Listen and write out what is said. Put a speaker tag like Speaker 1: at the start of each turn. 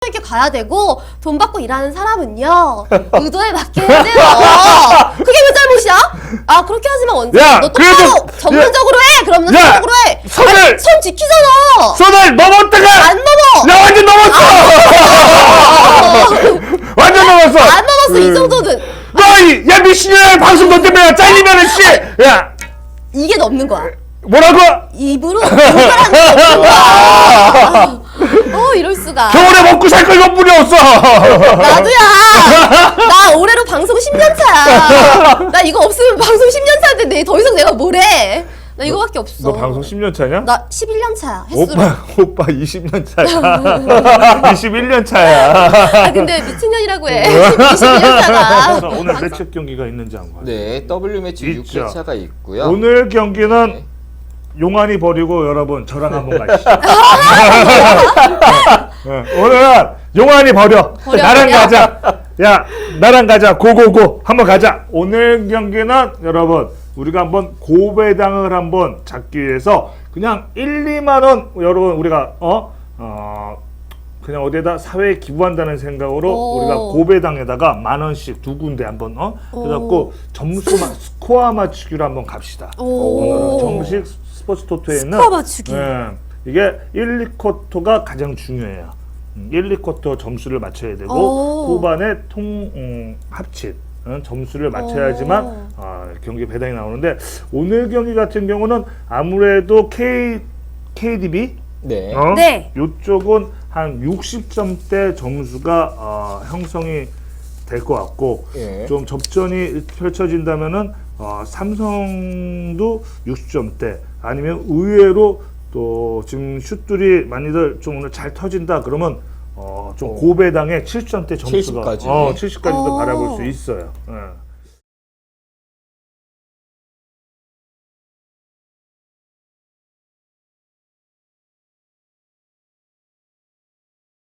Speaker 1: 있게 가야 되고 돈 받고 일하는 사람은요 의도에 맞게 해야 돼요. 그게 왜 잘못이야? 아 그렇게 하지만 원장
Speaker 2: 야,
Speaker 1: 너
Speaker 2: 그래도-
Speaker 1: 똑바로 전문적으로 해. 그럼 너
Speaker 2: 야,
Speaker 1: 전문적으로 해.
Speaker 2: 선을-
Speaker 1: 아니, 선 지키잖아.
Speaker 2: 선을 넘었다가
Speaker 1: 안 넘어.
Speaker 2: 야 완전 넘었어. 완전 넘었어.
Speaker 1: 안 넘었어 이 정도는.
Speaker 2: 야 미친년아 방송 너 때문에 잘리면은 씨. 야
Speaker 1: 이게 넘는 거야.
Speaker 2: 뭐라고?
Speaker 1: 입으로 욕하는 게 없는 거야. 이럴 수가.
Speaker 2: 겨울에 먹고 살 거 이것뿐이 없어.
Speaker 1: 나도야. 나 올해로 방송 10년 차야. 나 이거 없으면 방송 10년 차인데 더 이상 내가 뭘 해? 나 이거밖에 없어.
Speaker 2: 너 방송 10년 차냐?
Speaker 1: 나 11년 차야. 횟수로.
Speaker 2: 오빠 20년 차야. 21년 차야.
Speaker 1: 아 근데 미친년이라고 해. 21년 차가.
Speaker 2: 자, 오늘 매치 경기가 있는지 안 봐요.
Speaker 3: 네, W 매치
Speaker 2: 있죠.
Speaker 3: 6회차가 있고요.
Speaker 2: 오늘 경기는
Speaker 3: 네.
Speaker 2: 용환이 버리고 여러분 저랑 한번 가시죠. 네, 오늘은 용환이 버려. 나랑
Speaker 1: 버려.
Speaker 2: 가자. 야 나랑 가자. 고고고 한번 가자. 오늘 경기는 여러분 우리가 한번 고배당을 한번 잡기 위해서 그냥 1, 2만 원 여러분 우리가 그냥 어디에다 사회에 기부한다는 생각으로 우리가 고배당에다가 10,000원씩 두 군데 한번 그래갖고 점수만 스코어 맞추기로 한번 갑시다. 오늘은 정식 스포츠 토토에 있는
Speaker 1: 스코어 맞추기.
Speaker 2: 이게 1, 2쿼터가 가장 중요해요. 1, 2쿼터 점수를 맞춰야 되고 후반에 합친 점수를 맞춰야지만 경기 배당이 나오는데 오늘 경기 같은 경우는 아무래도 KDB
Speaker 3: 네.
Speaker 1: 네.
Speaker 2: 이쪽은 한 60점대 점수가 형성이 될 것 같고
Speaker 3: 예.
Speaker 2: 좀 접전이 펼쳐진다면은 삼성도 60점대 아니면 의외로 또 지금 슛들이 많이들 좀 오늘 잘 터진다 그러면 좀 고배당의 70점대 점수가
Speaker 3: 70까지.
Speaker 2: 70까지도 바라볼 수 있어요. 예.